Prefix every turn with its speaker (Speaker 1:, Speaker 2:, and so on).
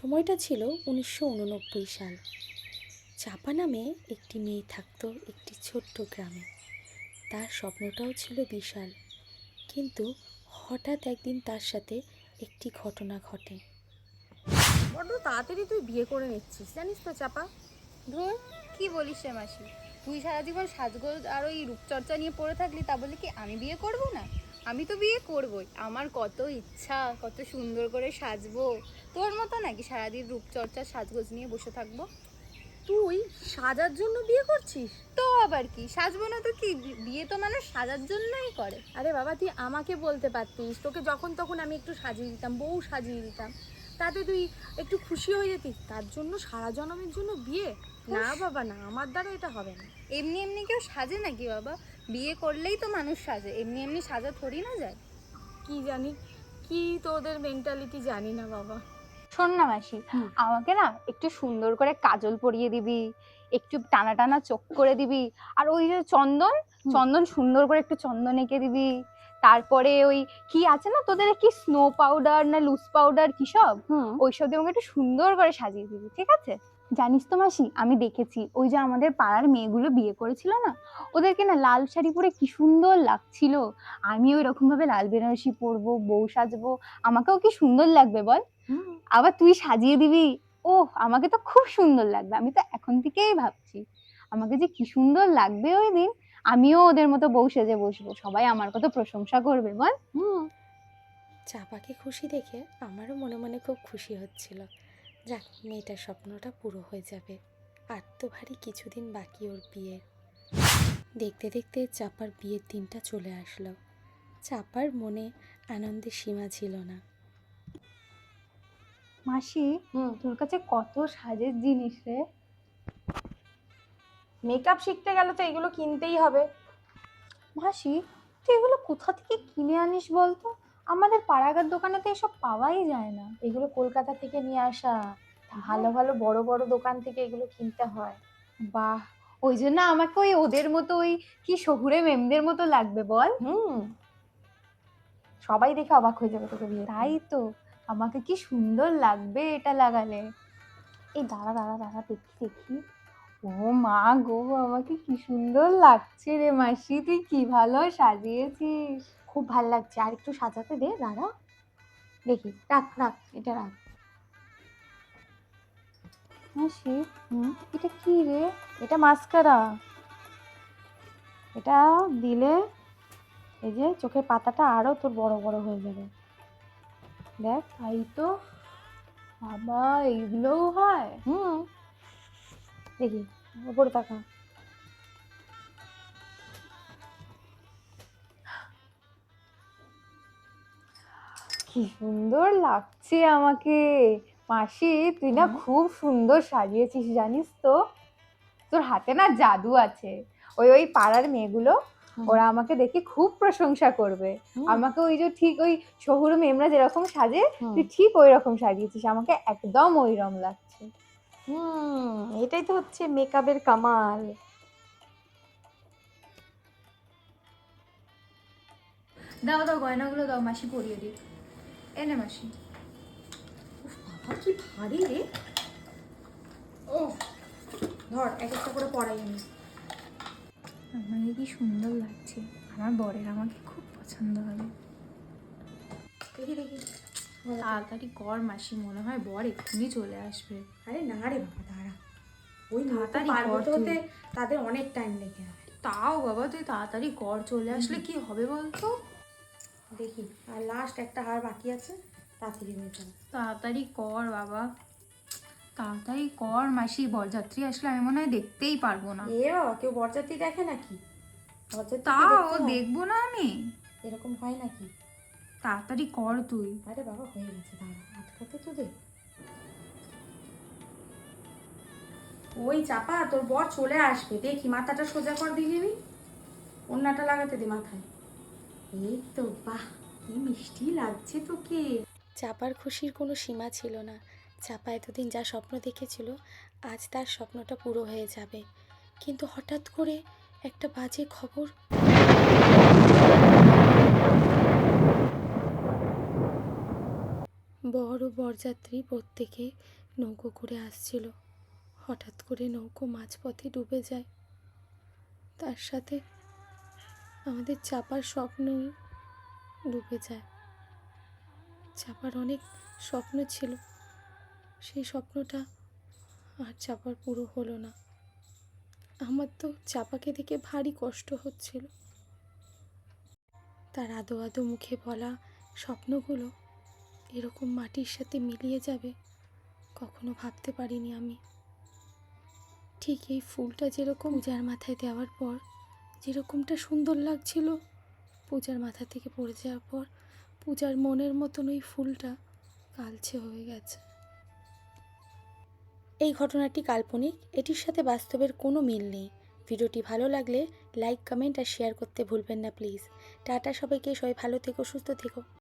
Speaker 1: সময়টা ছিল 1989 সাল। চাপা নামে একটি মেয়ে থাকতো একটি ছোট্ট গ্রামে। তার স্বপ্নটাও ছিল বিশাল, কিন্তু হঠাৎ একদিন তার সাথে একটি ঘটনা ঘটে।
Speaker 2: বড্ড তাড়াতাড়ি তুই বিয়ে করে নিচ্ছিস, জানিস তো চাপা।
Speaker 3: ধুর, কি বলিস রে মাসি? তুই সারা জীবন সাজগোজ আর ওই রূপচর্চা নিয়ে পড়ে থাকলি, তা বলে কি আমি বিয়ে করব না? আমি তো বিয়ে করবই। আমার কত ইচ্ছা, কত সুন্দর করে সাজবো। তোর মতো নাকি সারাদিন রূপচর্চা সাজগোজ নিয়ে বসে থাকবো?
Speaker 2: তুই সাজার জন্য বিয়ে করছিস?
Speaker 3: তো আবার কি, সাজবো না তো কি? বিয়ে তো মানুষ সাজার জন্যই করে।
Speaker 2: আরে বাবা, তুই আমাকে বলতে পারতিস, তোকে যখন তখন আমি একটু সাজিয়ে দিতাম, বউ সাজিয়ে দিতাম, তাতে তুই একটু খুশি হয়ে যেতিস। তার জন্য সারা জনমের জন্য বিয়ে? না বাবা না, আমার দ্বারা এটা হবে না।
Speaker 3: এমনি এমনি কেউ সাজে নাকি বাবা? বিয়ে করলেই তো মানুষ সাজে, এমনি এমনি সাজা থরি না যায়।
Speaker 2: কি জানি, কি তোদের মেন্টালিটি জানি না বাবা।
Speaker 3: শোন না মাসি, আমাকে না একটু সুন্দর করে কাজল পরিয়ে দিবি, একটু টানা টানা চোখ করে দিবি, আর ওই যে চন্দন চন্দন সুন্দর করে একটু চন্দন এঁকে দিবি। তারপরে ওই কি আছে না তোদের, কি স্নো পাউডার না লুজ পাউডার কি সব, ওইসব দিয়ে আমাকে একটু সুন্দর করে সাজিয়ে দিবি, ঠিক আছে? জানিস তো মাসি, আমি দেখেছি ওই যে আমাদের পাড়ার মেয়েগুলো বিয়ে করেছিল না, ওদেরকে না লাল শাড়ি পরে কি সুন্দর লাগছিল। আমি ওই রকম ভাবে লাল বেনারসি পরবো, বউ সাজবো, আমাকেও কি সুন্দর লাগবে বল? আবার তুই সাজিয়ে দিবি, ওহ আমাকে তো খুব সুন্দর লাগবে। আমি তো এখন থেকেই ভাবছি আমাকে যে কি সুন্দর লাগবে ওই দিন। আমিও ওদের মতো বউ সেজে বসবো, সবাই আমার কত প্রশংসা করবে বল।
Speaker 1: চাপাকে খুশি দেখে আমারও মনে মনে খুব খুশি হচ্ছিল। যাক, মেয়েটার স্বপ্নটা পুরো হয়ে যাবে। আর তো ভারী কিছুদিন বাকি ওর বিয়ের। দেখতে দেখতে চাপার বিয়ের দিনটা চলে আসলো। চাপার মনে আনন্দের সীমা ছিল না।
Speaker 3: মাসি, তোর কাছে কত সাজের জিনিস রে।
Speaker 2: মেকআপ শিখতে গেলে তো এগুলো কিনতেই হবে।
Speaker 3: মাসি, তুই এগুলো কোথা থেকে কিনে আনিস বলতো? আমাদের পাড়াগার দোকানে তো এসব পাওয়াই যায় না।
Speaker 2: এগুলো কলকাতা থেকে নিয়ে আসা, ভালো ভালো বড় বড় দোকান থেকে এগুলো কিনতে হয়।
Speaker 3: বাহ, ওই জন্য আমাকে ওই ওদের মতো ওই কি শহুরে মেমদের মতো লাগবে বল।
Speaker 2: সবাই দেখে অবাক হয়ে যাবে তোকে বিয়ে।
Speaker 3: তাই তো, আমাকে কি সুন্দর লাগবে এটা লাগালে। এই দাঁড়া দাঁড়া দাঁড়া, দেখি দেখি। ও মা গো, আমাকে কি সুন্দর লাগছে রে মাসি, তুই কি ভালো সাজিয়েছিস।
Speaker 2: খুব ভাল লাগছে, আর একটু সাজাতে দে, দাঁড়া দেখি। রাখ রাখ, এটা রাখ।
Speaker 3: মাসি, এটা কি রে?
Speaker 2: এটা মাস্কারা। এটা দিলে এই যে চোখের পাতাটা আরো তোর বড় বড় হয়ে যাবে। দেখ।
Speaker 3: তাই তো, বাবা এইগুলোও হয়?
Speaker 2: দেখি, উপরে তাকা।
Speaker 3: কি সুন্দর লাগছে আমাকে। মাসি, তুই না খুব সুন্দর সাজিয়েছিস জানিস তো। তোর হাতে না জাদু আছে। ওই ওই পাড়ার মেয়েগুলো, ওরা আমাকে দেখে খুব প্রশংসা করবে। আমাকে ওই যে ঠিক ওই শহুরে মেয়েরা যেরকম সাজে, তুই ঠিক ওই রকম সাজিয়েছিস, আমাকে একদম ওইরকম লাগছে।
Speaker 2: এটাই তো হচ্ছে মেকআপের কামাল।
Speaker 3: দাও দাও, গয়নাগুলো দাও, মাসি পরিয়ে দিই। এনে মাসি।
Speaker 2: বাবা কি ভারী রে। ও ধর, এক একটা করে পরাই আমি।
Speaker 3: আমাকে কি সুন্দর লাগছে, আমার বরের আমাকে খুব পছন্দ হবে।
Speaker 2: দেখি দেখি।
Speaker 3: তাড়াতাড়ি কর মাসি, মনে হয় বর এক্ষুনি চলে আসবে।
Speaker 2: আরে না রে বাবা, দাঁড়া। ওই
Speaker 3: তাড়াতাড়ি
Speaker 2: পার
Speaker 3: কর
Speaker 2: হতে
Speaker 3: তুই।
Speaker 2: হতে তাদের অনেক টাইম লেগে যাবে।
Speaker 3: তাও বাবা তুই তাড়াতাড়ি কর, চলে আসলে কি হবে বলতো?
Speaker 2: দেখি, আর লাস্ট একটা হার বাকি আছে, তাড়াতাড়ি হয়ে যাবে।
Speaker 3: তাড়াতাড়ি কর বাবা, তাড়াতাড়ি কর মাসি, বরযাত্রী আসলে আমি মনে হয় দেখতেই পারবো না।
Speaker 2: এ বাবা, কেউ বরযাত্রী দেখে নাকি? বরযাত্রী
Speaker 3: তাও দেখবো না আমি?
Speaker 2: এরকম হয় নাকি?
Speaker 3: তাড়াতাড়ি কর তুই।
Speaker 2: আরে বাবা হয়ে গেছে, দাঁড়া, আটকাতে তো দে। ওই চাপা, তোর বর চলে আসবে, দেখি মাথাটা সোজা কর দিবি, ওড়নাটা লাগাতে দে মাথায়। এই তো, বাহ কি মিষ্টি লাগছে তোকে।
Speaker 1: চাপার খুশির কোনো সীমা ছিল না। চাপা এতদিন যা স্বপ্ন দেখেছিল, আজ তার স্বপ্নটা পুরো হয়ে যাবে। কিন্তু হঠাৎ করে একটা বাজে খবর। বর ও বরযাত্রী প্রত্যেকে নৌকো করে আসছিল। হঠাৎ করে নৌকো মাঝপথে ডুবে যায়। তার সাথে আমাদের চাপার স্বপ্নও ডুবে যায়। চাপার অনেক স্বপ্ন ছিল, সেই স্বপ্নটা আর চাপার পুরো হলো না। আমার তো চাপাকে দেখে ভারী কষ্ট হচ্ছিল। তার আদো আদো মুখে বলা স্বপ্নগুলো এরকম মাটির সাথে মিলিয়ে যাবে কখনো ভাবতে পারিনি আমি। ঠিক এই ফুলটা যেরকম পূজার মাথায় দেওয়ার পর যেরকমটা সুন্দর লাগছিল, পূজার মাথা থেকে পড়ে যাওয়ার পর পূজার মনের মতন ওই ফুলটা কালচে হয়ে গেছে। এই ঘটনাটি কাল্পনিক, এটির সাথে বাস্তবের কোনো মিল নেই। ভিডিওটি ভালো লাগলে লাইক, কমেন্ট আর শেয়ার করতে ভুলবেন না প্লিজ। টাটা সবাইকে, সবাই ভালো থেকো, সুস্থ থেকো।